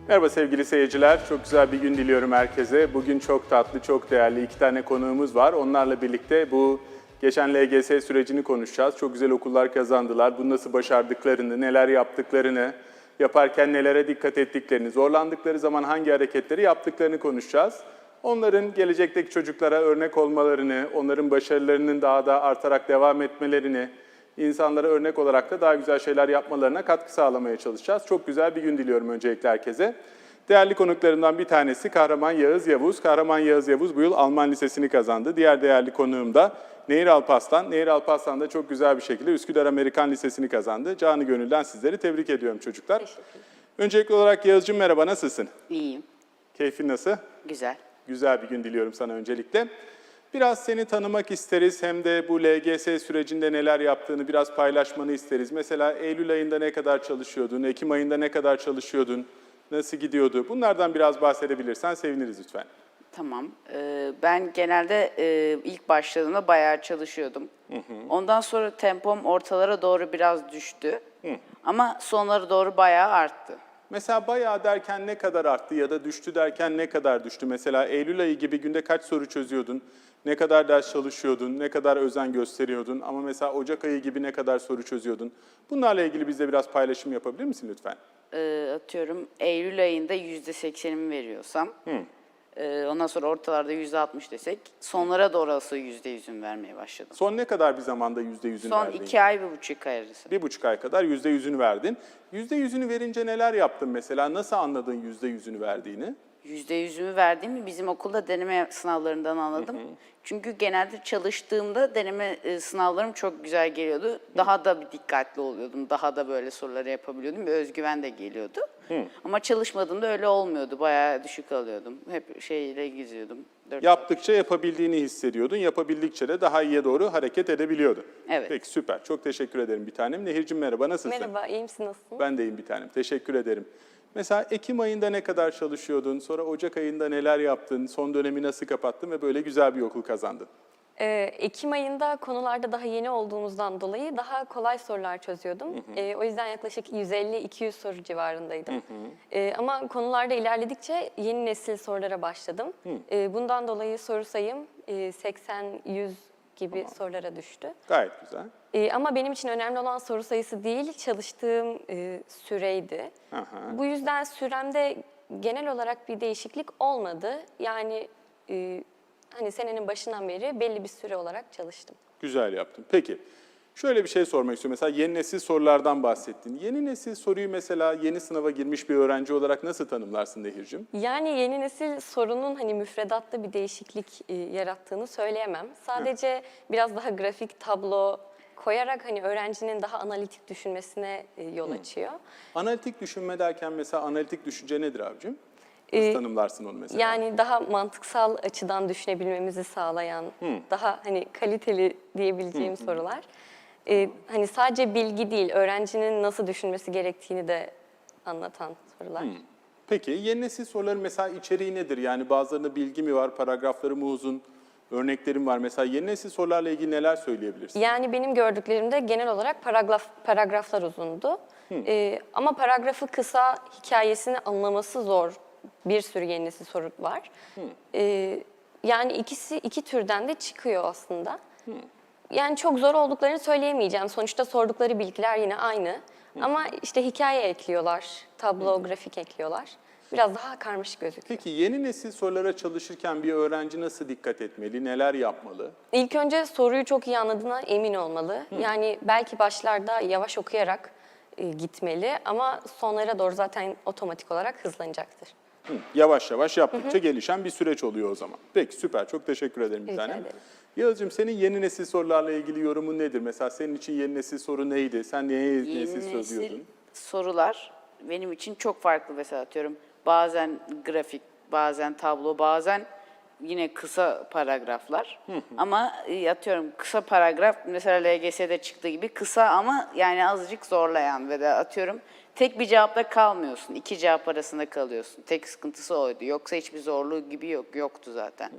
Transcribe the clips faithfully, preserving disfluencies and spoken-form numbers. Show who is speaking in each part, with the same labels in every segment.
Speaker 1: Merhaba sevgili seyirciler, çok güzel bir gün diliyorum herkese. Bugün çok tatlı, çok değerli iki tane konuğumuz var. Onlarla birlikte bu geçen L G S sürecini konuşacağız. Çok güzel okullar kazandılar, bunu nasıl başardıklarını, neler yaptıklarını, yaparken nelere dikkat ettiklerini, zorlandıkları zaman hangi hareketleri yaptıklarını konuşacağız. Onların gelecekteki çocuklara örnek olmalarını, onların başarılarının daha da artarak devam etmelerini, insanlara örnek olarak da daha güzel şeyler yapmalarına katkı sağlamaya çalışacağız. Çok güzel bir gün diliyorum öncelikle herkese. Değerli konuklarımdan bir tanesi Kahraman Yağız Yavuz. Kahraman Yağız Yavuz bu yıl Alman Lisesi'ni kazandı. Diğer değerli konuğum da Nehir Alparslan. Nehir Alparslan da çok güzel bir şekilde Üsküdar Amerikan Lisesi'ni kazandı. Canı gönülden sizleri tebrik ediyorum çocuklar.
Speaker 2: Teşekkür.
Speaker 1: Öncelikli olarak Yağız'cığım merhaba, nasılsın?
Speaker 2: İyiyim.
Speaker 1: Keyfin nasıl?
Speaker 2: Güzel.
Speaker 1: Güzel bir gün diliyorum sana öncelikle. Biraz seni tanımak isteriz, hem de bu L G S sürecinde neler yaptığını biraz paylaşmanı isteriz. Mesela Eylül ayında ne kadar çalışıyordun, Ekim ayında ne kadar çalışıyordun, nasıl gidiyordu? Bunlardan biraz bahsedebilirsen seviniriz lütfen.
Speaker 2: Tamam. Ee, ben genelde e, ilk başladığımda bayağı çalışıyordum. Hı hı. Ondan sonra tempom ortalara doğru biraz düştü. Hı. Ama sonlara doğru bayağı arttı.
Speaker 1: Mesela bayağı derken ne kadar arttı ya da düştü derken ne kadar düştü? Mesela Eylül ayı gibi günde kaç soru çözüyordun? Ne kadar ders çalışıyordun? Ne kadar özen gösteriyordun? Ama mesela Ocak ayı gibi ne kadar soru çözüyordun? Bunlarla ilgili bizle biraz paylaşım yapabilir misin lütfen?
Speaker 2: Ee, atıyorum Eylül ayında yüzde seksenimi veriyorsam, Hı. e, ondan sonra ortalarda yüzde altmış desek, sonlara doğru asıl yüzde yüzünü vermeye başladım.
Speaker 1: Son ne kadar bir zamanda yüzde yüzünü
Speaker 2: Son
Speaker 1: verdin?
Speaker 2: iki ay, bir buçuk ay arası.
Speaker 1: Bir buçuk ay kadar yüzde yüzünü verdin. Yüzde yüzünü verince neler yaptın mesela? Nasıl anladın yüzde yüzünü verdiğini?
Speaker 2: Yüzde yüzümü verdiğimi bizim okulda deneme sınavlarından anladım. Hı hı. Çünkü genelde çalıştığımda deneme sınavlarım çok güzel geliyordu. Daha da bir dikkatli oluyordum. Daha da böyle soruları yapabiliyordum. Bir özgüven de geliyordu. Hı. Ama çalışmadığımda öyle olmuyordu. Bayağı düşük alıyordum. Hep şeyle gizliyordum.
Speaker 1: Yaptıkça yapabildiğini hissediyordun. Yapabildikçe de daha iyiye doğru hareket edebiliyordun.
Speaker 2: Evet.
Speaker 1: Peki süper. Çok teşekkür ederim bir tanem. Nehir'cim merhaba, nasılsın?
Speaker 3: Merhaba, iyi misin, nasılsın?
Speaker 1: Ben de iyiyim bir tanem. Teşekkür ederim. Mesela Ekim ayında ne kadar çalışıyordun, sonra Ocak ayında neler yaptın, son dönemi nasıl kapattın ve böyle güzel bir okul kazandın?
Speaker 3: Ee, Ekim ayında konularda daha yeni olduğumuzdan dolayı daha kolay sorular çözüyordum. Hı hı. Ee, o yüzden yaklaşık yüz elli iki yüz soru civarındaydım. Hı hı. Ee, ama konularda ilerledikçe yeni nesil sorulara başladım. Hı. Ee, bundan dolayı soru sayım e, seksen yüz gibi tamam. sorulara düştü.
Speaker 1: Gayet güzel.
Speaker 3: Ee, ama benim için önemli olan soru sayısı değil, çalıştığım e, süreydi. Aha. Bu yüzden süremde genel olarak bir değişiklik olmadı. Yani e, hani senenin başından beri belli bir süre olarak çalıştım.
Speaker 1: Güzel yaptın. Peki, şöyle bir şey sormak istiyorum. Mesela yeni nesil sorulardan bahsettin. Yeni nesil soruyu mesela yeni sınava girmiş bir öğrenci olarak nasıl tanımlarsın Nehir'cim?
Speaker 3: Yani yeni nesil sorunun hani müfredatta bir değişiklik e, yarattığını söyleyemem. Sadece Hı. biraz daha grafik, tablo koyarak hani öğrencinin daha analitik düşünmesine e, yol açıyor. Hı.
Speaker 1: Analitik düşünme derken mesela analitik düşünce nedir abicim? Nasıl ee, tanımlarsın onu mesela?
Speaker 3: Yani daha mantıksal açıdan düşünebilmemizi sağlayan, Hı. daha hani kaliteli diyebileceğim Hı. sorular. Ee, hani sadece bilgi değil, öğrencinin nasıl düşünmesi gerektiğini de anlatan sorular. Hmm.
Speaker 1: Peki, yeni nesil soruların mesela içeriği nedir? Yani bazılarında bilgi mi var, paragrafları mı uzun, örneklerim var. Mesela yeni nesil sorularla ilgili neler söyleyebilirsin?
Speaker 3: Yani benim gördüklerimde genel olarak paragraf, paragraflar uzundu. Hmm. Ee, ama paragrafı kısa, hikayesini anlaması zor bir sürü yeni nesil soru var. Hmm. Ee, yani ikisi iki türden de çıkıyor aslında. Hmm. Yani çok zor olduklarını söyleyemeyeceğim. Sonuçta sordukları bilgiler yine aynı. Hı. Ama işte hikaye ekliyorlar, tablo, Hı. grafik ekliyorlar. Biraz daha karmaşık gözüküyor.
Speaker 1: Peki yeni nesil sorulara çalışırken bir öğrenci nasıl dikkat etmeli, neler yapmalı?
Speaker 3: İlk önce soruyu çok iyi anladığına emin olmalı. Hı. Yani belki başlarda yavaş okuyarak e, gitmeli ama sonlara doğru zaten otomatik olarak hızlanacaktır.
Speaker 1: Hı. Yavaş yavaş yaptıkça Hı-hı. gelişen bir süreç oluyor o zaman. Peki süper, çok teşekkür ederim bir tanem. Yağız'cığım senin yeni nesil sorularla ilgili yorumun nedir? Mesela senin için yeni nesil soru neydi? Sen neye yeni,
Speaker 2: yeni
Speaker 1: nesil soru diyordun?
Speaker 2: Yeni nesil sorular benim için çok farklı mesela atıyorum. Bazen grafik, bazen tablo, bazen yine kısa paragraflar. Hı hı. Ama atıyorum kısa paragraf mesela L G S'de çıktığı gibi kısa ama yani azıcık zorlayan ve de atıyorum tek bir cevapla kalmıyorsun. İki cevap arasında kalıyorsun. Tek sıkıntısı oydu. Yoksa hiçbir zorluğu gibi yok yoktu zaten. Hı.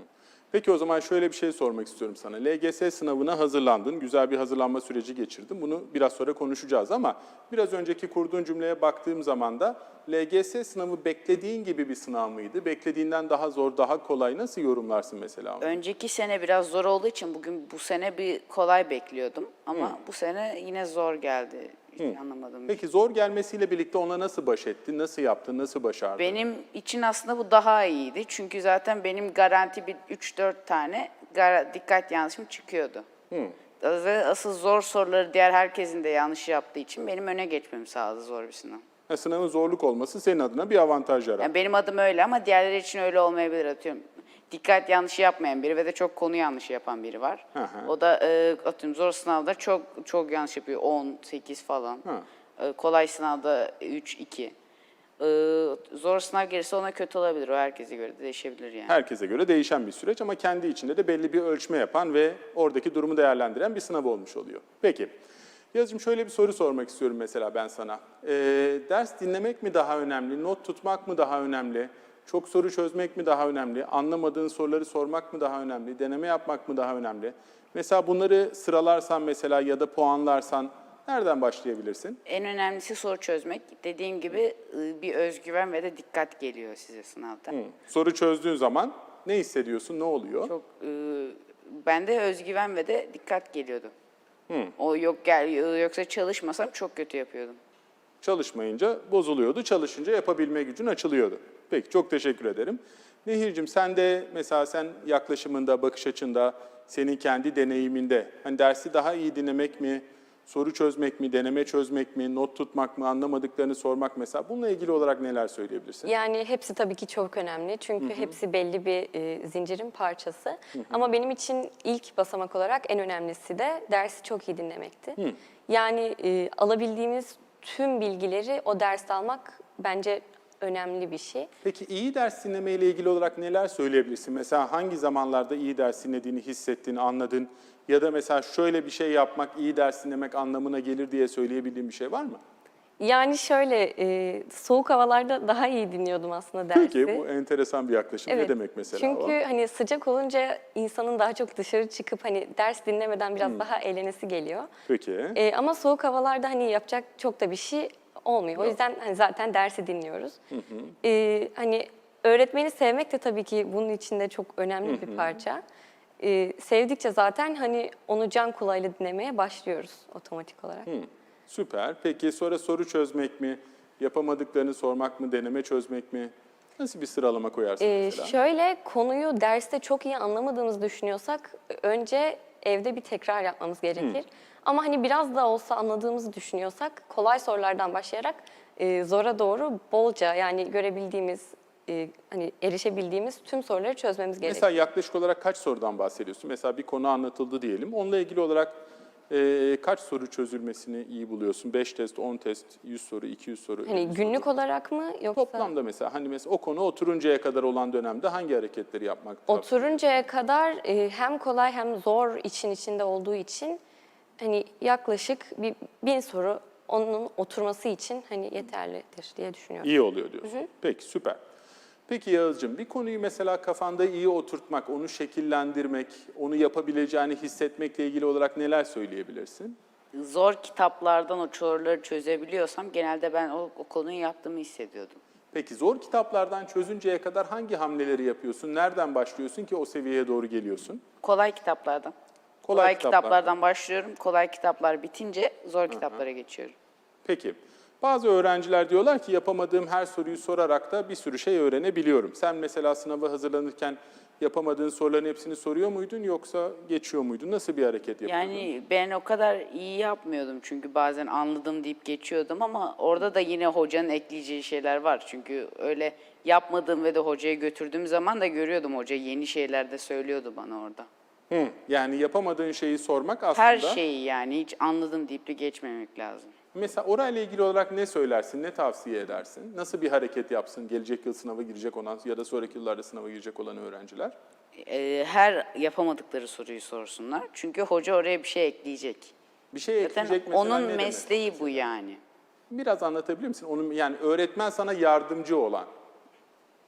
Speaker 1: Peki o zaman şöyle bir şey sormak istiyorum sana. L G S sınavına hazırlandın, güzel bir hazırlanma süreci geçirdin. Bunu biraz sonra konuşacağız ama biraz önceki kurduğun cümleye baktığım zaman da L G S sınavı beklediğin gibi bir sınav mıydı? Beklediğinden daha zor, daha kolay nasıl yorumlarsın mesela onu?
Speaker 2: Önceki sene biraz zor olduğu için bugün bu sene bir kolay bekliyordum. Ama bu sene yine zor geldi. Hiç anlamadım.
Speaker 1: Peki zor gelmesiyle birlikte ona nasıl baş ettin, nasıl yaptın, nasıl başardın?
Speaker 2: Benim için aslında bu daha iyiydi. Çünkü zaten benim garanti bir üç dört tane gara- dikkat yanlışım çıkıyordu. Ve asıl zor soruları diğer herkesin de yanlış yaptığı için benim öne geçmemi sağladı zor bir sınav.
Speaker 1: Ha, sınavın zorluk olması senin adına bir avantaj yarattı.
Speaker 2: Yani benim adım öyle ama diğerleri için öyle olmayabilir, atıyorum. Dikkat yanlışı yapmayan biri ve de çok konu yanlışı yapan biri var.
Speaker 1: Hı hı.
Speaker 2: O da e, atıyorum zor sınavda çok çok yanlış yapıyor. on, sekiz falan. E, kolay sınavda üç, iki. E, zor sınav gelirse ona kötü olabilir. O herkese göre de değişebilir yani.
Speaker 1: Herkese göre değişen bir süreç ama kendi içinde de belli bir ölçme yapan ve oradaki durumu değerlendiren bir sınav olmuş oluyor. Peki, Yazıcığım şöyle bir soru sormak istiyorum mesela ben sana. Ee, ders dinlemek mi daha önemli, not tutmak mı daha önemli, çok soru çözmek mi daha önemli, anlamadığın soruları sormak mı daha önemli, deneme yapmak mı daha önemli? Mesela bunları sıralarsan mesela ya da puanlarsan nereden başlayabilirsin?
Speaker 2: En önemlisi soru çözmek. Dediğim gibi e, bir özgüven ve de dikkat geliyor size sınavda.
Speaker 1: Soru çözdüğün zaman ne hissediyorsun, ne oluyor?
Speaker 2: Çok e, bende özgüven ve de dikkat geliyordu. O yok gel yoksa çalışmasam çok kötü yapıyordum.
Speaker 1: Çalışmayınca bozuluyordu, çalışınca yapabilme gücün açılıyordu. Peki, çok teşekkür ederim. Nehir'cim sen de mesela sen yaklaşımında, bakış açında, senin kendi deneyiminde hani dersi daha iyi dinlemek mi, soru çözmek mi, deneme çözmek mi, not tutmak mı, anlamadıklarını sormak mesela bununla ilgili olarak neler söyleyebilirsin?
Speaker 3: Yani hepsi tabii ki çok önemli çünkü hepsi belli bir e, zincirin parçası. Ama benim için ilk basamak olarak en önemlisi de dersi çok iyi dinlemekti. Yani e, alabildiğimiz tüm bilgileri o derste almak bence önemli bir şey.
Speaker 1: Peki iyi ders dinleme ile ilgili olarak neler söyleyebilirsin? Mesela hangi zamanlarda iyi ders dinlediğini hissettin, anladın? Ya da mesela şöyle bir şey yapmak iyi ders dinlemek anlamına gelir diye söyleyebildiğin bir şey var mı?
Speaker 3: Yani şöyle e, soğuk havalarda daha iyi dinliyordum aslında dersi.
Speaker 1: Peki bu enteresan bir yaklaşım. Ne demek mesela
Speaker 3: Çünkü
Speaker 1: o?
Speaker 3: hani sıcak olunca insanın daha çok dışarı çıkıp hani ders dinlemeden biraz daha eğlenesi geliyor.
Speaker 1: Peki.
Speaker 3: E, ama soğuk havalarda hani yapacak çok da bir şey olmuyor. O yüzden hani zaten dersi dinliyoruz. E, hani öğretmeni sevmek de tabii ki bunun içinde çok önemli bir parça. E, sevdikçe zaten hani onu can kulağıyla dinlemeye başlıyoruz otomatik olarak.
Speaker 1: Süper. Peki sonra soru çözmek mi, yapamadıklarını sormak mı, deneme çözmek mi? Nasıl bir sıralama koyarsın
Speaker 3: Ee,
Speaker 1: mesela?
Speaker 3: şöyle konuyu derste çok iyi anlamadığımızı düşünüyorsak önce evde bir tekrar yapmamız gerekir. Ama hani biraz da olsa anladığımızı düşünüyorsak kolay sorulardan başlayarak e, zora doğru bolca yani görebildiğimiz e, hani erişebildiğimiz tüm soruları çözmemiz gerekir.
Speaker 1: Mesela yaklaşık olarak kaç sorudan bahsediyorsun? Mesela bir konu anlatıldı diyelim. Onunla ilgili olarak e, kaç soru çözülmesini iyi buluyorsun? beş test, on test, yüz soru, iki yüz soru?
Speaker 3: Hani
Speaker 1: elli
Speaker 3: günlük
Speaker 1: soru.
Speaker 3: olarak mı yoksa?
Speaker 1: Toplamda mesela hani mesela o konu oturuncaya kadar olan dönemde hangi hareketleri yapmak?
Speaker 3: Oturuncaya kadar e, hem kolay hem zor için içinde olduğu için hani yaklaşık bir bin soru onun oturması için hani yeterlidir diye düşünüyorum.
Speaker 1: İyi oluyor diyorsun. Peki süper. Peki Yağız'cığım bir konuyu mesela kafanda iyi oturtmak, onu şekillendirmek, onu yapabileceğini hissetmekle ilgili olarak neler söyleyebilirsin?
Speaker 2: Zor kitaplardan o soruları çözebiliyorsam genelde ben o, o konuyu yaptığımı hissediyordum.
Speaker 1: Peki zor kitaplardan çözünceye kadar hangi hamleleri yapıyorsun? Nereden başlıyorsun ki o seviyeye doğru geliyorsun?
Speaker 2: Kolay kitaplardan.
Speaker 1: Kolay
Speaker 2: Kolay,
Speaker 1: kitaplardan.
Speaker 2: kitaplardan başlıyorum. Kolay kitaplar bitince zor kitaplara geçiyorum.
Speaker 1: Peki. Bazı öğrenciler diyorlar ki yapamadığım her soruyu sorarak da bir sürü şey öğrenebiliyorum. Sen mesela sınava hazırlanırken yapamadığın soruların hepsini soruyor muydun yoksa geçiyor muydun? Nasıl bir hareket yapıyordun?
Speaker 2: Yani ben o kadar iyi yapmıyordum çünkü bazen anladım deyip geçiyordum ama orada da yine hocanın ekleyeceği şeyler var. Çünkü öyle yapmadığım ve de hocaya götürdüğüm zaman da görüyordum hoca yeni şeyler de söylüyordu bana orada.
Speaker 1: Hı, yani yapamadığın şeyi sormak aslında...
Speaker 2: Her şeyi yani hiç anladım deyip de geçmemek lazım.
Speaker 1: Mesela orayla ilgili olarak ne söylersin, ne tavsiye edersin? Nasıl bir hareket yapsın gelecek yıl sınava girecek olan ya da sonraki yıllarda sınava girecek olan öğrenciler?
Speaker 2: Ee, her yapamadıkları soruyu sorsunlar. Çünkü hoca oraya bir şey ekleyecek.
Speaker 1: Bir şey
Speaker 2: Zaten
Speaker 1: ekleyecek mesela
Speaker 2: onun
Speaker 1: ne demek?
Speaker 2: mesleği bu yani.
Speaker 1: Biraz anlatabilir misin? Onun, yani öğretmen sana yardımcı olan.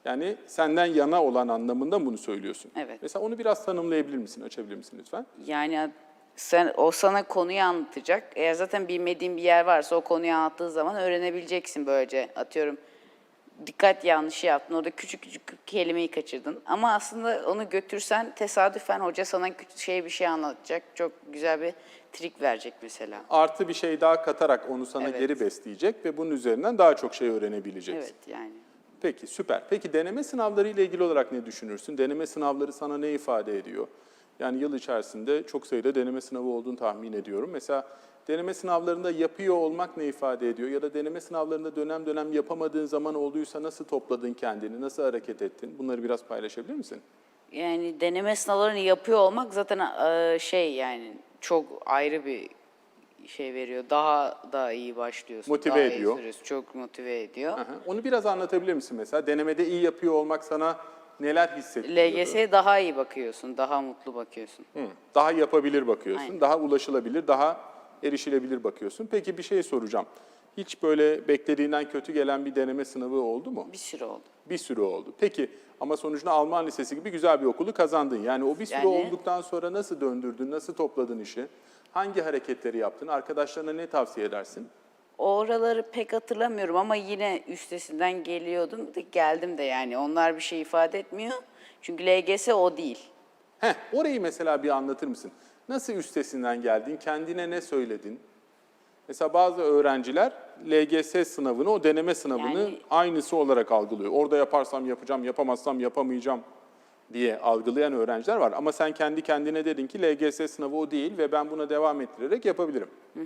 Speaker 1: Yani senden yana olan anlamında mı bunu söylüyorsun?
Speaker 2: Evet.
Speaker 1: Mesela onu biraz tanımlayabilir misin, açabilir misin lütfen?
Speaker 2: Yani sen o sana konuyu anlatacak. Eğer zaten bilmediğin bir yer varsa o konuyu anlattığı zaman öğrenebileceksin böylece. Atıyorum dikkat yanlışı yaptın. Orada küçük küçük kelimeyi kaçırdın. Ama aslında onu götürsen tesadüfen hoca sana küçük şey bir şey anlatacak. Çok güzel bir trik verecek mesela.
Speaker 1: Artı bir şey daha katarak onu sana
Speaker 2: Evet.
Speaker 1: geri besleyecek ve bunun üzerinden daha çok şey öğrenebileceksin.
Speaker 2: Evet yani.
Speaker 1: Peki, süper. Peki deneme sınavları ile ilgili olarak ne düşünürsün? Deneme sınavları sana ne ifade ediyor? Yani yıl içerisinde çok sayıda deneme sınavı olduğunu tahmin ediyorum. Mesela deneme sınavlarında yapıyor olmak ne ifade ediyor? Ya da deneme sınavlarında dönem dönem yapamadığın zaman olduysa nasıl topladın kendini, nasıl hareket ettin? Bunları biraz paylaşabilir misin?
Speaker 2: Yani deneme sınavlarını yapıyor olmak zaten e, şey yani çok ayrı bir şey veriyor. Daha da iyi başlıyorsun.
Speaker 1: Motive
Speaker 2: daha
Speaker 1: ediyor.
Speaker 2: Iyi sürüyorsun. Çok motive ediyor.
Speaker 1: Aha. Onu biraz anlatabilir misin mesela? Denemede iyi yapıyor olmak sana neler hissettiriyordu?
Speaker 2: L G S'ye daha iyi bakıyorsun, daha mutlu bakıyorsun.
Speaker 1: Hı, daha yapabilir bakıyorsun,
Speaker 2: Aynen.
Speaker 1: daha ulaşılabilir, daha erişilebilir bakıyorsun. Peki bir şey soracağım. Hiç böyle beklediğinden kötü gelen bir deneme sınavı oldu mu?
Speaker 2: Bir sürü oldu.
Speaker 1: Bir sürü oldu. Peki ama sonucunda Alman Lisesi gibi güzel bir okulu kazandın. Yani o bir sürü
Speaker 2: Yani-
Speaker 1: olduktan sonra nasıl döndürdün, nasıl topladın işi? Hangi hareketleri yaptın? Arkadaşlarına ne tavsiye edersin?
Speaker 2: Oraları pek hatırlamıyorum ama yine üstesinden geliyordum. De, geldim de yani. Onlar bir şey ifade etmiyor. Çünkü L G S o değil.
Speaker 1: Heh, orayı mesela bir anlatır mısın? Nasıl üstesinden geldin? Kendine ne söyledin? Mesela bazı öğrenciler L G S sınavını, o deneme sınavını
Speaker 2: Yani-
Speaker 1: aynısı olarak algılıyor. Orada yaparsam yapacağım, yapamazsam yapamayacağım diye algılayan öğrenciler var. Ama sen kendi kendine dedin ki L G S sınavı o değil ve ben buna devam ettirerek yapabilirim.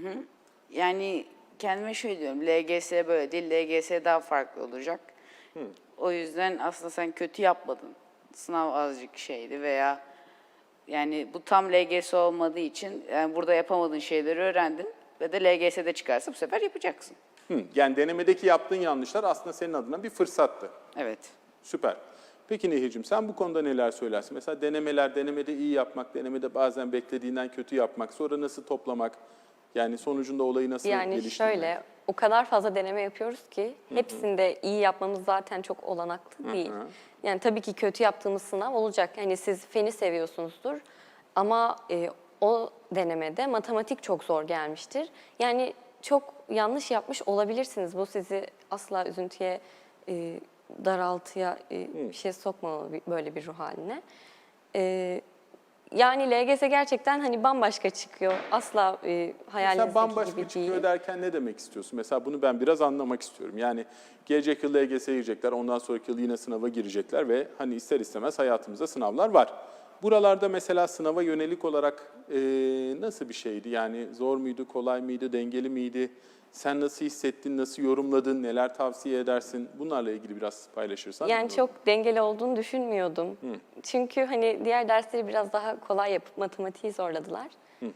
Speaker 2: Yani kendime şöyle diyorum. L G S böyle değil. L G S daha farklı olacak. O yüzden aslında sen kötü yapmadın. Sınav azıcık şeydi veya yani bu tam L G S olmadığı için yani burada yapamadığın şeyleri öğrendin ve de L G S'de çıkarsa bu sefer yapacaksın.
Speaker 1: Hı, yani denemedeki yaptığın yanlışlar aslında senin adına bir fırsattı.
Speaker 2: Evet.
Speaker 1: Süper. Peki Nehir'cim sen bu konuda neler söylersin? Mesela denemeler, denemede iyi yapmak, denemede bazen beklediğinden kötü yapmak, sonra nasıl toplamak? Yani sonucunda olayı nasıl
Speaker 3: Yani
Speaker 1: geliştirmek?
Speaker 3: şöyle, o kadar fazla deneme yapıyoruz ki hepsinde iyi yapmamız zaten çok olanaklı değil. Yani tabii ki kötü yaptığımız sınav olacak. Yani siz feni seviyorsunuzdur ama e, o denemede matematik çok zor gelmiştir. Yani çok yanlış yapmış olabilirsiniz. Bu sizi asla üzüntüye, e, daraltıya e, bir şey sokmamalı bir- böyle bir ruh haline. E, Yani L G S gerçekten hani bambaşka çıkıyor. Asla e, hayalinizdeki
Speaker 1: Mesela bambaşka
Speaker 3: gibi
Speaker 1: çıkıyor
Speaker 3: değil.
Speaker 1: derken ne demek istiyorsun? Mesela bunu ben biraz anlamak istiyorum. Yani gelecek yıl L G S'ye girecekler, ondan sonraki yıl yine sınava girecekler ve hani ister istemez hayatımızda sınavlar var. Buralarda mesela sınava yönelik olarak e, nasıl bir şeydi? Yani zor muydu, kolay mıydı, dengeli miydi? Sen nasıl hissettin, nasıl yorumladın, neler tavsiye edersin? Bunlarla ilgili biraz paylaşırsan.
Speaker 3: Yani çok dengeli olduğunu düşünmüyordum. Çünkü hani diğer dersleri biraz daha kolay yapıp matematiği zorladılar.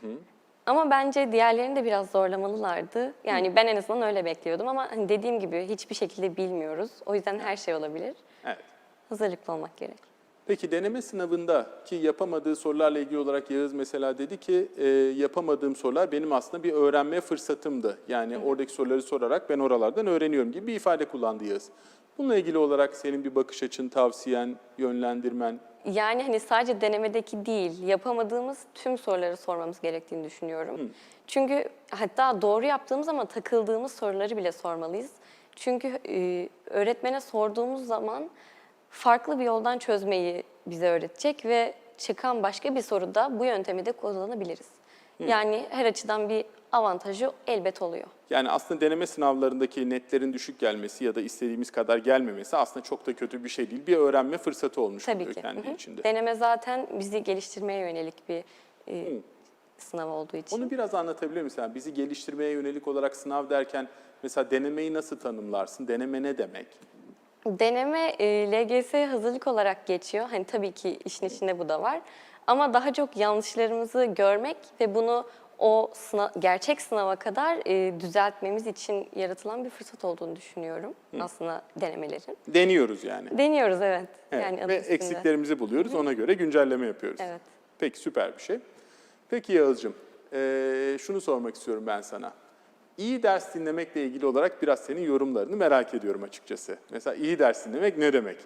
Speaker 3: Ama bence diğerlerini de biraz zorlamalılardı. Yani ben en azından öyle bekliyordum ama hani dediğim gibi hiçbir şekilde bilmiyoruz. O yüzden her şey olabilir.
Speaker 1: Evet.
Speaker 3: Hazırlıklı olmak gerek.
Speaker 1: Peki deneme sınavında ki yapamadığı sorularla ilgili olarak Yağız mesela dedi ki e, yapamadığım sorular benim aslında bir öğrenme fırsatımdı. Yani oradaki soruları sorarak ben oralardan öğreniyorum gibi bir ifade kullandı Yağız. Bununla ilgili olarak senin bir bakış açın, tavsiyen, yönlendirmen.
Speaker 3: Yani hani sadece denemedeki değil, yapamadığımız tüm soruları sormamız gerektiğini düşünüyorum. Çünkü hatta doğru yaptığımız ama takıldığımız soruları bile sormalıyız. Çünkü e, öğretmene sorduğumuz zaman farklı bir yoldan çözmeyi bize öğretecek ve çıkan başka bir soruda bu yöntemi de kullanabiliriz. Yani her açıdan bir avantajı elbet oluyor.
Speaker 1: Yani aslında deneme sınavlarındaki netlerin düşük gelmesi ya da istediğimiz kadar gelmemesi aslında çok da kötü bir şey değil. Bir öğrenme fırsatı olmuş
Speaker 3: Tabii
Speaker 1: oluyor
Speaker 3: ki.
Speaker 1: kendi
Speaker 3: Hı hı.
Speaker 1: içinde.
Speaker 3: Deneme zaten bizi geliştirmeye yönelik bir e, sınav olduğu için.
Speaker 1: Onu biraz anlatabilir misin? Yani bizi geliştirmeye yönelik olarak sınav derken mesela denemeyi nasıl tanımlarsın? Deneme ne demek?
Speaker 3: Deneme e, L G S hazırlık olarak geçiyor. Hani tabii ki işin içinde bu da var. Ama daha çok yanlışlarımızı görmek ve bunu o sınav, gerçek sınava kadar e, düzeltmemiz için yaratılan bir fırsat olduğunu düşünüyorum aslında denemelerin.
Speaker 1: Deniyoruz yani.
Speaker 3: Deniyoruz evet.
Speaker 1: Evet,
Speaker 3: Yani adı
Speaker 1: ve
Speaker 3: üstünde.
Speaker 1: eksiklerimizi buluyoruz, ona göre güncelleme yapıyoruz.
Speaker 3: Evet.
Speaker 1: Peki, süper bir şey. Peki Yağız'cığım, eee, şunu sormak istiyorum ben sana. İyi ders dinlemekle ilgili olarak biraz senin yorumlarını merak ediyorum açıkçası. Mesela iyi ders dinlemek ne demek?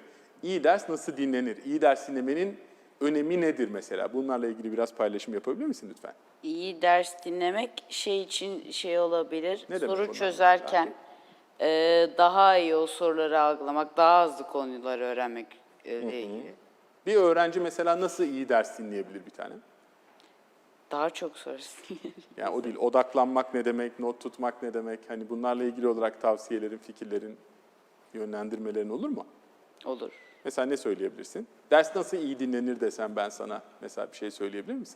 Speaker 1: İyi ders nasıl dinlenir? İyi ders dinlemenin önemi nedir mesela? Bunlarla ilgili biraz paylaşım yapabilir misin lütfen?
Speaker 2: İyi ders dinlemek şey için şey olabilir.
Speaker 1: Ne demek
Speaker 2: soru
Speaker 1: onlar
Speaker 2: çözerken e, daha iyi o soruları algılamak, daha hızlı konuları öğrenmek e, ile ilgili.
Speaker 1: Bir öğrenci mesela nasıl iyi ders dinleyebilir bir tane?
Speaker 2: Daha çok soru.
Speaker 1: Yani o değil, odaklanmak ne demek, not tutmak ne demek? Hani bunlarla ilgili olarak tavsiyelerin, fikirlerin, yönlendirmelerin olur mu?
Speaker 2: Olur.
Speaker 1: Mesela ne söyleyebilirsin? Ders nasıl iyi dinlenir desem ben sana mesela bir şey söyleyebilir misin?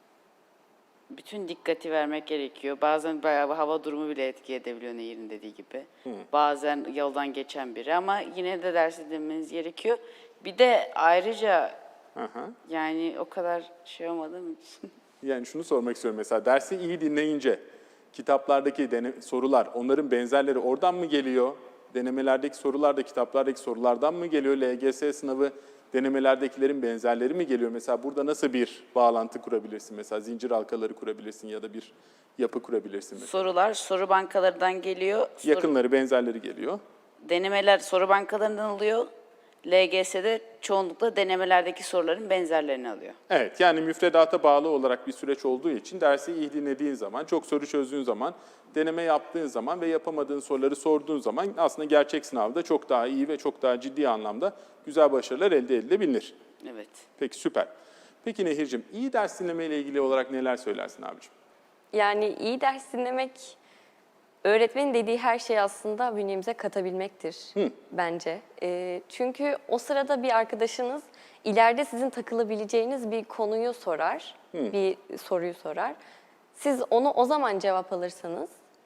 Speaker 2: Bütün dikkati vermek gerekiyor. Bazen bayağı hava durumu bile etki edebiliyor Nehir'in dediği gibi. Bazen yoldan geçen biri ama yine de ders dinlemeniz gerekiyor. Bir de ayrıca
Speaker 1: Hı hı.
Speaker 2: yani o kadar şey olmadığım için.
Speaker 1: Yani şunu sormak istiyorum mesela dersi iyi dinleyince kitaplardaki dene- sorular onların benzerleri oradan mı geliyor? Denemelerdeki sorular da kitaplardaki sorulardan mı geliyor? L G S sınavı denemelerdekilerin benzerleri mi geliyor? Mesela burada nasıl bir bağlantı kurabilirsin? Mesela zincir halkaları kurabilirsin ya da bir yapı kurabilirsin mesela.
Speaker 2: Sorular soru bankalarından geliyor. Soru-
Speaker 1: Yakınları, benzerleri geliyor.
Speaker 2: Denemeler soru bankalarından alıyor. L G S'de çoğunlukla denemelerdeki soruların benzerlerini alıyor.
Speaker 1: Evet, yani müfredata bağlı olarak bir süreç olduğu için dersi iyi dinlediğin zaman, çok soru çözdüğün zaman, deneme yaptığın zaman ve yapamadığın soruları sorduğun zaman aslında gerçek sınavda çok daha iyi ve çok daha ciddi anlamda güzel başarılar elde edilebilir.
Speaker 2: Evet.
Speaker 1: Peki süper. Peki Nehir'cim, iyi ders dinleme ile ilgili olarak neler söylersin abicim?
Speaker 3: Yani iyi ders dinlemek, öğretmenin dediği her şeyi aslında bünyemize katabilmektir bence. Ee, çünkü o sırada bir arkadaşınız ileride sizin takılabileceğiniz bir konuyu sorar, bir soruyu sorar. Siz onu o zaman cevap alırsanız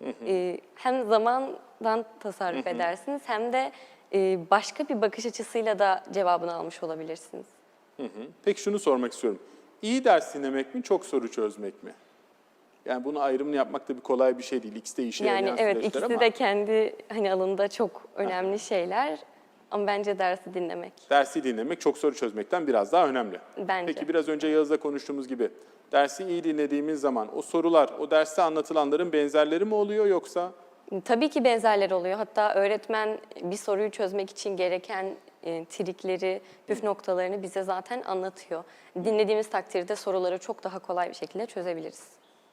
Speaker 3: e, hem zamandan tasarruf edersiniz hem de e, başka bir bakış açısıyla da cevabını almış olabilirsiniz.
Speaker 1: Peki şunu sormak istiyorum. İyi ders dinlemek mi, çok soru çözmek mi? Yani bunun ayrımını yapmak da bir kolay bir şey değil. İkisi de işe
Speaker 3: Yani
Speaker 1: yarayan
Speaker 3: evet
Speaker 1: süreçler
Speaker 3: ikisi
Speaker 1: ama
Speaker 3: de kendi hani alanında çok önemli şeyler ama bence dersi dinlemek.
Speaker 1: dersi dinlemek çok soru çözmekten biraz daha önemli.
Speaker 3: Bence.
Speaker 1: Peki biraz önce Yağız'la konuştuğumuz gibi dersi iyi dinlediğimiz zaman o sorular, o derste anlatılanların benzerleri mi oluyor yoksa?
Speaker 3: Tabii ki benzerler oluyor. Hatta öğretmen bir soruyu çözmek için gereken e, trikleri, püf noktalarını bize zaten anlatıyor. Dinlediğimiz takdirde soruları çok daha kolay bir şekilde çözebiliriz.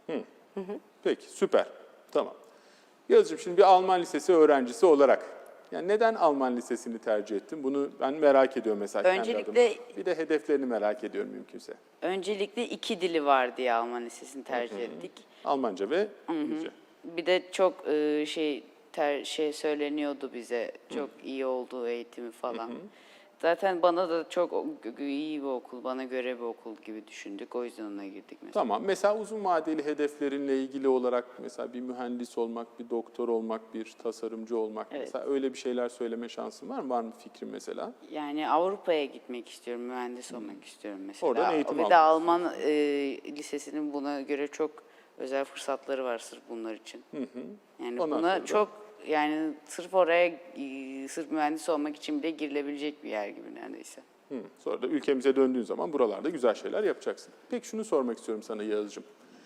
Speaker 1: Peki süper. Tamam. Yağız'cığım şimdi bir Alman lisesi öğrencisi olarak yani neden Alman lisesini tercih ettin? Bunu ben merak ediyorum mesela kendi
Speaker 2: Öncelikle-
Speaker 1: adıma. Bir de hedeflerini merak ediyorum mümkünse.
Speaker 2: Öncelikle iki dili var diye Alman lisesini tercih ettik.
Speaker 1: Almanca ve İngilizce.
Speaker 2: Bir de çok e, şey ter, şey söyleniyordu bize. Çok iyi olduğu eğitimi falan. Zaten bana da çok o- iyi bir okul, bana göre bir okul gibi düşündük. O yüzden ona girdik mesela.
Speaker 1: Tamam. Mesela uzun vadeli hedeflerinle ilgili olarak mesela bir mühendis olmak, bir doktor olmak, bir tasarımcı olmak.
Speaker 2: Evet.
Speaker 1: Mesela öyle bir şeyler söyleme şansın var mı? Var mı fikrin mesela?
Speaker 2: Yani Avrupa'ya gitmek istiyorum, mühendis olmak istiyorum mesela.
Speaker 1: Oradan eğitim
Speaker 2: Ve
Speaker 1: almak
Speaker 2: de Alman e, lisesinin buna göre çok özel fırsatları var sırf bunlar için. Yani
Speaker 1: Ondan
Speaker 2: buna
Speaker 1: sonra da-
Speaker 2: çok yani sırf oraya e, sırf mühendis olmak için bile girilebilecek bir yer gibi neredeyse.
Speaker 1: Hı. Sonra da ülkemize döndüğün zaman buralarda güzel şeyler yapacaksın. Peki şunu sormak istiyorum sana Yağız'cığım.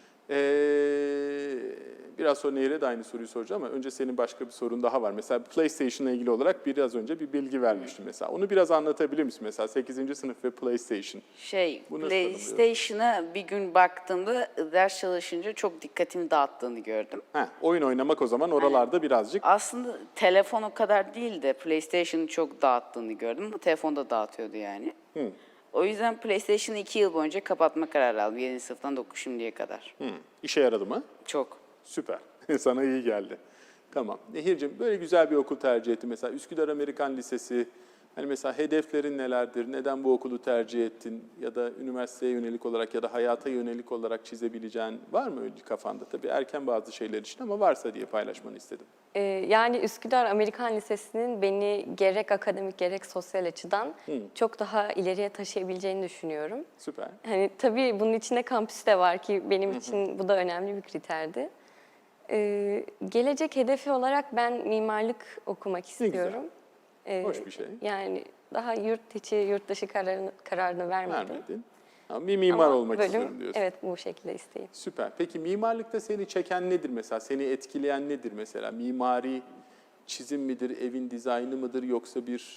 Speaker 1: Ee, biraz sonra Nehir'e de aynı soruyu soracağım ama önce senin başka bir sorun daha var. Mesela PlayStation'la ilgili olarak biraz önce bir bilgi vermiştim mesela. Onu biraz anlatabilir misin? Mesela sekizinci sınıf ve PlayStation.
Speaker 2: Şey,
Speaker 1: Bu nasıl
Speaker 2: PlayStation'a bir gün baktığımda ders çalışınca çok dikkatimi dağıttığını gördüm.
Speaker 1: Heh, oyun oynamak o zaman oralarda birazcık
Speaker 2: Aslında telefon o kadar değil de PlayStation'ı çok dağıttığını gördüm ama telefon da dağıtıyordu yani. O yüzden PlayStation'ı iki yıl boyunca kapatma kararı aldım. yedinci sınıftan dokuz şimdiye kadar.
Speaker 1: Hı. işe yaradı mı?
Speaker 2: Çok.
Speaker 1: Süper. Sana iyi geldi. Tamam. Nehir'cim böyle güzel bir okul tercih ettin. Mesela Üsküdar Amerikan Lisesi. Hani mesela hedeflerin nelerdir? Neden bu okulu tercih ettin? Ya da üniversiteye yönelik olarak ya da hayata yönelik olarak çizebileceğin var mı öyle kafanda? Tabii erken bazı şeyler için ama varsa diye paylaşmanı istedim.
Speaker 3: Ee, yani Üsküdar Amerikan Lisesi'nin beni gerek akademik gerek sosyal açıdan çok daha ileriye taşıyabileceğini düşünüyorum.
Speaker 1: Süper.
Speaker 3: Hani tabii bunun içinde kampüs de var ki benim için bu da önemli bir kriterdi. Ee, gelecek hedefi olarak ben mimarlık okumak
Speaker 1: güzel.
Speaker 3: istiyorum. Ee,
Speaker 1: Hoş bir şey.
Speaker 3: Yani daha yurt içi, yurt dışı kararını, kararını vermedim.
Speaker 1: Vermedin. Ama bir mimar
Speaker 3: Ama
Speaker 1: olmak
Speaker 3: bölüm,
Speaker 1: istiyorum diyorsun.
Speaker 3: Evet, bu şekilde isteyeyim.
Speaker 1: Süper. Peki mimarlıkta seni çeken nedir mesela? Seni etkileyen nedir mesela? Mimari çizim midir, evin dizaynı mıdır yoksa bir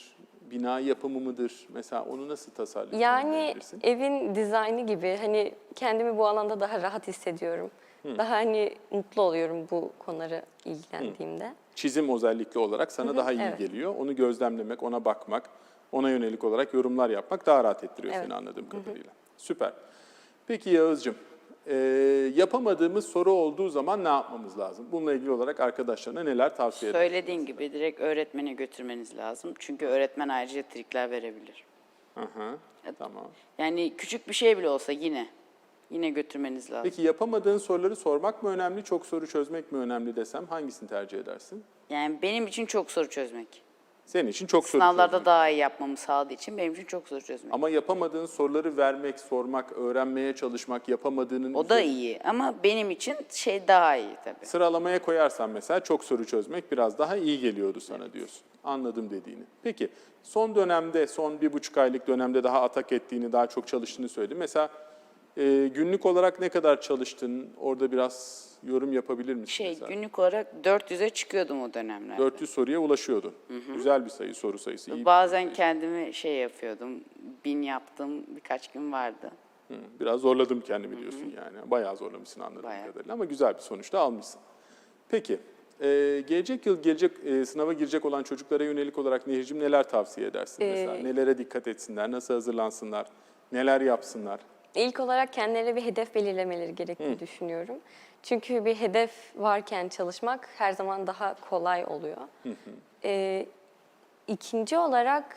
Speaker 1: bina yapımı mıdır? Mesela onu nasıl tasarlıyorsun?
Speaker 3: Yani evin dizaynı gibi hani kendimi bu alanda daha rahat hissediyorum. Daha hani mutlu oluyorum bu konulara ilgilendiğimde.
Speaker 1: Çizim özellikle olarak sana daha iyi
Speaker 3: evet.
Speaker 1: geliyor. Onu gözlemlemek, ona bakmak, ona yönelik olarak yorumlar yapmak daha rahat ettiriyor
Speaker 3: Evet.
Speaker 1: seni anladığım kadarıyla. Süper. Peki Yağız'cığım, e, yapamadığımız soru olduğu zaman ne yapmamız lazım? Bununla ilgili olarak arkadaşlarına neler tavsiye edersin?
Speaker 2: Söylediğin gibi direkt öğretmene götürmeniz lazım. Çünkü öğretmen ayrıca trikler verebilir.
Speaker 1: Hı hı, tamam.
Speaker 2: Yani küçük bir şey bile olsa yine, yine götürmeniz lazım.
Speaker 1: Peki yapamadığın soruları sormak mı önemli, çok soru çözmek mi önemli desem hangisini tercih edersin?
Speaker 2: Yani benim için çok soru çözmek.
Speaker 1: Senin için çok soru
Speaker 2: Sınavlarda
Speaker 1: çözmek.
Speaker 2: daha iyi yapmamı sağladığı için benim için çok soru çözmek.
Speaker 1: Ama yapamadığın soruları vermek, sormak, öğrenmeye çalışmak, yapamadığının...
Speaker 2: O da iyi ama benim için şey daha iyi tabii.
Speaker 1: Sıralamaya koyarsan mesela çok soru çözmek biraz daha iyi geliyordu sana diyorsun. Anladım dediğini. Peki son dönemde, son bir buçuk aylık dönemde daha atak ettiğini, daha çok çalıştığını söyledin. Mesela e, günlük olarak ne kadar çalıştın? Orada biraz yorum yapabilir misin
Speaker 2: Şey
Speaker 1: mesela?
Speaker 2: günlük olarak dört yüze çıkıyordum o dönemlerde.
Speaker 1: dört yüz soruya ulaşıyordun. Güzel bir sayı, soru sayısı. iyi bir
Speaker 2: Bazen
Speaker 1: sayı.
Speaker 2: kendimi şey yapıyordum, bin yaptım birkaç gün vardı.
Speaker 1: Hı, biraz zorladım kendimi diyorsun yani. Bayağı zorlamışsın anladığım
Speaker 2: Bayağı.
Speaker 1: kadarıyla ama güzel bir sonuçta almışsın. Peki, e, gelecek yıl gelecek e, sınava girecek olan çocuklara yönelik olarak Nehir'cim neler tavsiye edersin mesela?
Speaker 3: Ee,
Speaker 1: Nelere dikkat etsinler, nasıl hazırlansınlar, neler yapsınlar?
Speaker 3: İlk olarak kendilerine bir hedef belirlemeleri gerektiğini düşünüyorum. Çünkü bir hedef varken çalışmak her zaman daha kolay oluyor. Ee, ikinci olarak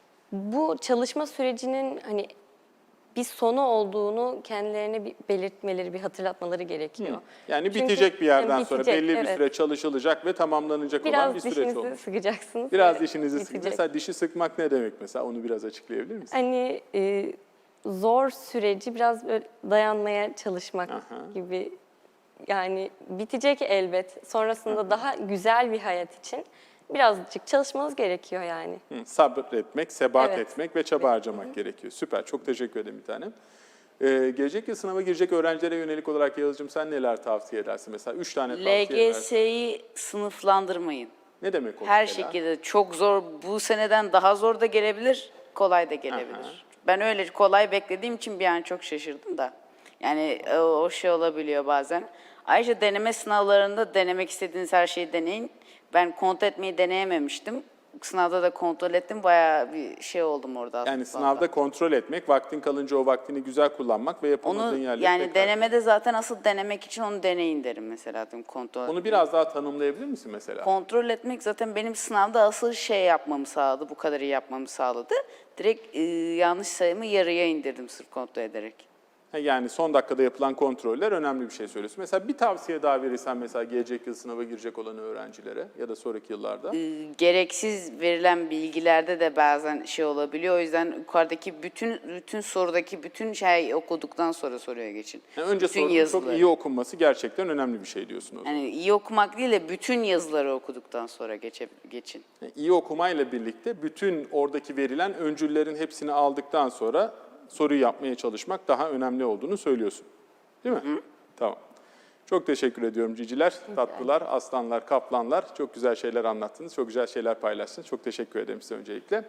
Speaker 3: bu çalışma sürecinin hani bir sonu olduğunu kendilerine bir belirtmeleri, bir hatırlatmaları gerekiyor.
Speaker 1: Yani
Speaker 3: Çünkü-
Speaker 1: bitecek bir yerden
Speaker 3: Yani
Speaker 1: sonra
Speaker 3: bitecek,
Speaker 1: belli bir
Speaker 3: evet.
Speaker 1: süre çalışılacak ve tamamlanacak olan
Speaker 3: Biraz
Speaker 1: bir süreç
Speaker 3: dişinizi
Speaker 1: olmuş.
Speaker 3: sıkacaksınız.
Speaker 1: Biraz
Speaker 3: ve
Speaker 1: dişinizi sık.
Speaker 3: bitecek.
Speaker 1: Mesela dişi sıkmak ne demek mesela? Onu biraz açıklayabilir misin?
Speaker 3: Hani e, zor süreci biraz böyle dayanmaya çalışmak
Speaker 1: Aha.
Speaker 3: gibi. Yani bitecek elbet. Sonrasında daha güzel bir hayat için birazcık çalışmanız gerekiyor yani.
Speaker 1: Hı, sabretmek, sebat
Speaker 3: Evet.
Speaker 1: etmek ve çaba harcamak gerekiyor. Süper, çok teşekkür ederim bir tanem. Ee, gelecek yıl sınava girecek öğrencilere yönelik olarak Yağız'cığım sen neler tavsiye edersin? Mesela üç tane tavsiye edersin.
Speaker 2: L G S'yi sınıflandırmayın.
Speaker 1: Ne demek o
Speaker 2: Her
Speaker 1: mesela?
Speaker 2: şekilde çok zor, bu seneden daha zor da gelebilir, kolay da gelebilir.
Speaker 1: Aha.
Speaker 2: Ben öyle kolay beklediğim için bir an çok şaşırdım da. Yani o, o şey olabiliyor bazen. Ayrıca deneme sınavlarında denemek istediğiniz her şeyi deneyin. Ben kontrol etmeyi deneyememiştim. Sınavda da kontrol ettim. Bayağı bir şey oldum orada aslında.
Speaker 1: Yani sınavda kontrol etmek, vaktin kalınca o vaktini güzel kullanmak ve yapamadığın
Speaker 2: Onu
Speaker 1: yerleri
Speaker 2: yani
Speaker 1: tekrar...
Speaker 2: denemede zaten asıl denemek için onu deneyin derim mesela. Diyorum, kontrol
Speaker 1: Onu biraz daha tanımlayabilir misin mesela?
Speaker 2: Kontrol etmek zaten benim sınavda asıl şey yapmamı sağladı, bu kadar iyi yapmamı sağladı. Direkt e, yanlış sayımı yarıya indirdim sırf kontrol ederek.
Speaker 1: Ha, yani son dakikada yapılan kontroller önemli bir şey söylüyorsun. Mesela bir tavsiye daha verirsen mesela gelecek yıl sınava girecek olan öğrencilere ya da sonraki yıllarda.
Speaker 2: E, gereksiz verilen bilgilerde de bazen şey olabiliyor. O yüzden yukarıdaki bütün bütün sorudaki bütün şey okuduktan sonra soruya geçin.
Speaker 1: Yani önce
Speaker 2: bütün
Speaker 1: sorunun çok
Speaker 2: yazıları.
Speaker 1: iyi okunması gerçekten önemli bir şey diyorsun o zaman.
Speaker 2: Yani iyi okumak değil de bütün yazıları okuduktan sonra geçe, geçin.
Speaker 1: Yani iyi okumayla birlikte bütün oradaki verilen öncüllerin hepsini aldıktan sonra soruyu yapmaya çalışmak daha önemli olduğunu söylüyorsun. Değil mi? Hı. Tamam. Çok teşekkür ediyorum ciciler, tatlılar, aslanlar, kaplanlar. Çok güzel şeyler anlattınız, çok güzel şeyler paylaştınız. Çok teşekkür ederim size öncelikle.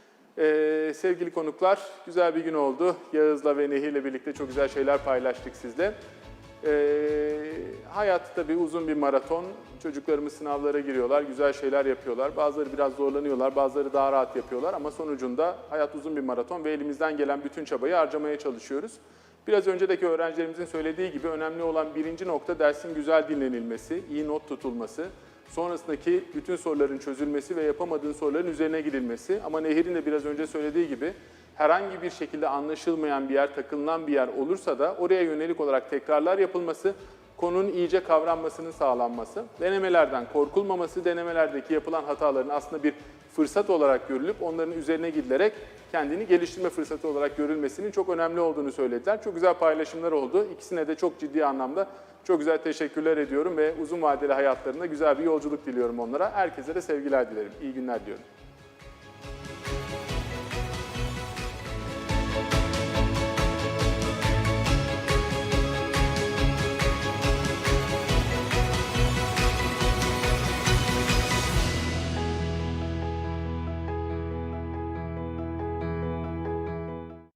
Speaker 1: Ee, sevgili konuklar, güzel bir gün oldu. Yağız'la ve Nehir'le birlikte çok güzel şeyler paylaştık sizle. Ee, hayat tabii uzun bir maraton. Çocuklarımız sınavlara giriyorlar, güzel şeyler yapıyorlar. Bazıları biraz zorlanıyorlar, bazıları daha rahat yapıyorlar. Ama sonucunda hayat uzun bir maraton ve elimizden gelen bütün çabayı harcamaya çalışıyoruz. Biraz öncedeki öğrencilerimizin söylediği gibi önemli olan birinci nokta dersin güzel dinlenilmesi, iyi not tutulması. Sonrasındaki bütün soruların çözülmesi ve yapamadığın soruların üzerine gidilmesi. Ama Nehir'in de biraz önce söylediği gibi herhangi bir şekilde anlaşılmayan bir yer, takılınan bir yer olursa da oraya yönelik olarak tekrarlar yapılması, konunun iyice kavranmasının sağlanması, denemelerden korkulmaması, denemelerdeki yapılan hataların aslında bir fırsat olarak görülüp onların üzerine gidilerek kendini geliştirme fırsatı olarak görülmesinin çok önemli olduğunu söylediler. Çok güzel paylaşımlar oldu. İkisine de çok ciddi anlamda çok güzel teşekkürler ediyorum ve uzun vadeli hayatlarında güzel bir yolculuk diliyorum onlara. Herkese de sevgiler dilerim. İyi günler diliyorum.